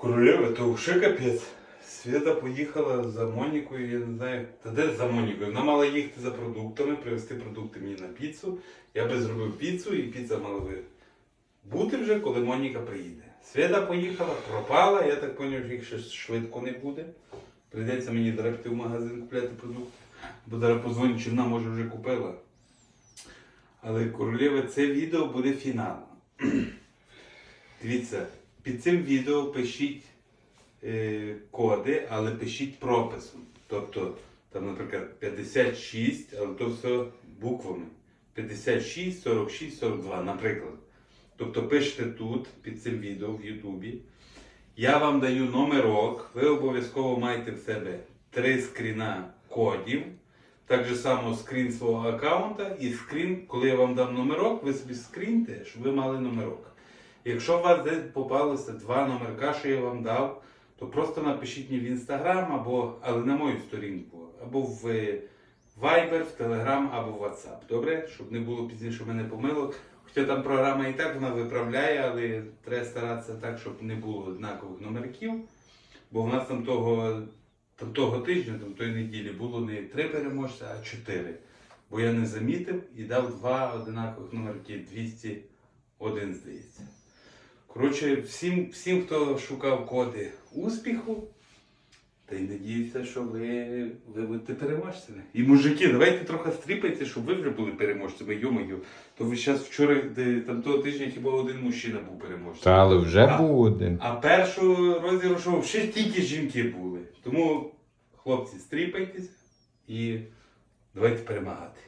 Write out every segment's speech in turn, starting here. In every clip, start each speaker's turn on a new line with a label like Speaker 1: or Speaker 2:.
Speaker 1: Королева, то вже капець. Свята поїхала за Монікою, я не знаю, та де за Монікою. Вона мала їхати за продуктами, привезти продукти мені на піцу. Я би зробив піцу і піца мала би бути вже, коли Моніка приїде. Свята поїхала, пропала, я так зрозумів, що їх ще швидко не буде. Прийдеться мені драпти в магазин купляти продукти, бо зараз позвоню, чи вона може вже купила. Але, королева, це відео буде фіналом. Дивіться, під цим відео пишіть коди, але пишіть прописом. Тобто, там, наприклад, 56, але то все буквами. 56, 46, 42, наприклад. Тобто пишете тут, під цим відео в Ютубі. Я вам даю номерок, ви обов'язково маєте в себе 3 скріна кодів. Так же само скрін свого аккаунта і скрін, коли я вам дам номерок, ви собі скріньте, щоб ви мали номерок. Якщо у вас десь попалося 2 номерка, що я вам дав, то просто напишіть мені в Інстаграм, але на мою сторінку, або в Viber, в Telegram, або в WhatsApp. Добре? Щоб не було пізніше в мене помилок. Хоча там програма і так вона виправляє, але треба старатися так, щоб не було однакових номерків. Бо в нас там того тижня, тої неділі було не 3 переможця, а 4. Бо я не замітив і дав 2 однакових номерки, 201, здається. Коротше, всім, хто шукав коди успіху, та й надіюся, що ви будете переможцями. І мужики, давайте трохи стріпайте, щоб ви вже були переможцями, йо-моє. То ви зараз вчора, там того тижня хіба один мужчина був переможцем.
Speaker 2: Та, але вже був один.
Speaker 1: А першого розіграшу ще тільки жінки були. Тому, хлопці, стріпайтеся і давайте перемагати.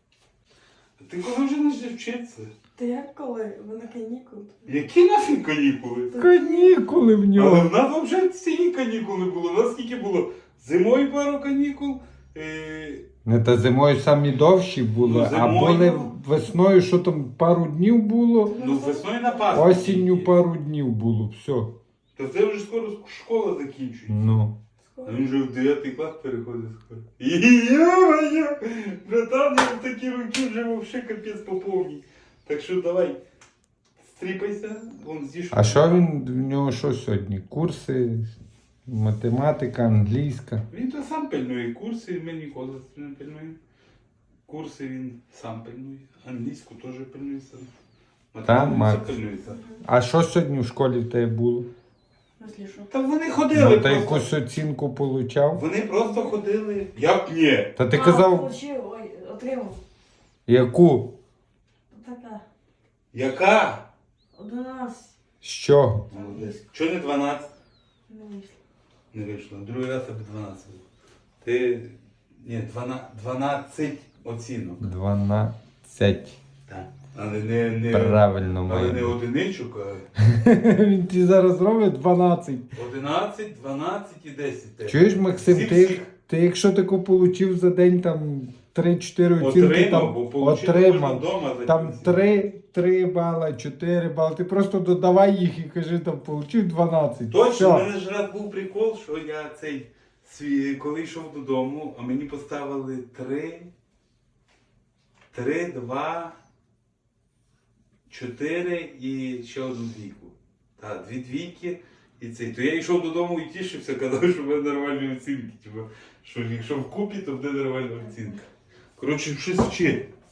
Speaker 1: А ти коли вже почнеш вчитися?
Speaker 3: Та як коли? Ви на канікули?
Speaker 1: Які нафіг канікули?
Speaker 2: Канікули в
Speaker 1: Але
Speaker 2: нього.
Speaker 1: в нас взагалі ціні канікули було. У нас скільки було? Зимою пару канікул.
Speaker 2: Не, та зимою самі довші були,
Speaker 1: Ну,
Speaker 2: а
Speaker 1: зимою.
Speaker 2: були весною, що там пару днів було,
Speaker 1: Ну, весною на Пасху.
Speaker 2: осінню пару днів було, все.
Speaker 1: Та це вже скоро школа закінчується.
Speaker 2: Ну.
Speaker 1: А він вже в 9 клас переходить скоро. Йо-моє! Братан, я в такі роки вже вовше капець поповній. Так що давай, стріпайся, вон з'їж.
Speaker 2: А що в нього що сьогодні? Курси, математика, англійська.
Speaker 1: Він то сам пильнує курси, ми ніколи не пильнуємо. Курси він сам пильнує. Англійську теж пильнує сам. Математику
Speaker 2: Макс.
Speaker 1: пильнує сам.
Speaker 2: А що сьогодні в школі в тебе було?
Speaker 3: Мислі, що?
Speaker 1: Та вони ходили
Speaker 2: Ну, та
Speaker 1: просто.
Speaker 2: якусь оцінку получав?
Speaker 1: Вони просто ходили. Як ні?
Speaker 2: Та ти казав,
Speaker 3: Получив, отримав.
Speaker 2: яку?
Speaker 3: Така.
Speaker 1: Яка?
Speaker 3: 11.
Speaker 2: З чого?
Speaker 1: Молодець. Чого не 12?
Speaker 3: Не вийшло.
Speaker 1: Не вийшло. Другий раз аби 12 було. Ти... Ні, 12 оцінок.
Speaker 2: 12.
Speaker 1: Так. Але не...
Speaker 2: Правильно
Speaker 1: Але
Speaker 2: має
Speaker 1: не
Speaker 2: бути.
Speaker 1: одиничок, а
Speaker 2: Він ті зараз робить 12.
Speaker 1: 11, 12 і 10.
Speaker 2: Чуєш, Максим,
Speaker 1: Всіх.
Speaker 2: ти якщо тако получив за день там 3-4 оцінки,
Speaker 1: Отримав, бо
Speaker 2: там
Speaker 1: получив можна
Speaker 2: отримав.
Speaker 1: вдома.
Speaker 2: Там 3 бала, 4 бали. Ти просто додавай їх і кажи, там получив 12.
Speaker 1: Точно,
Speaker 2: Все.
Speaker 1: в мене ж раз був прикол, що я коли йшов додому, а мені поставили 3, 2, 4 і ще одну двійку. Так, 2 двійки і цей. То я йшов додому і тішився, казав, що в мене нормальні оцінки. Типу, що якщо вкупі, то буде нормальна оцінка. Коротше, щось вчи.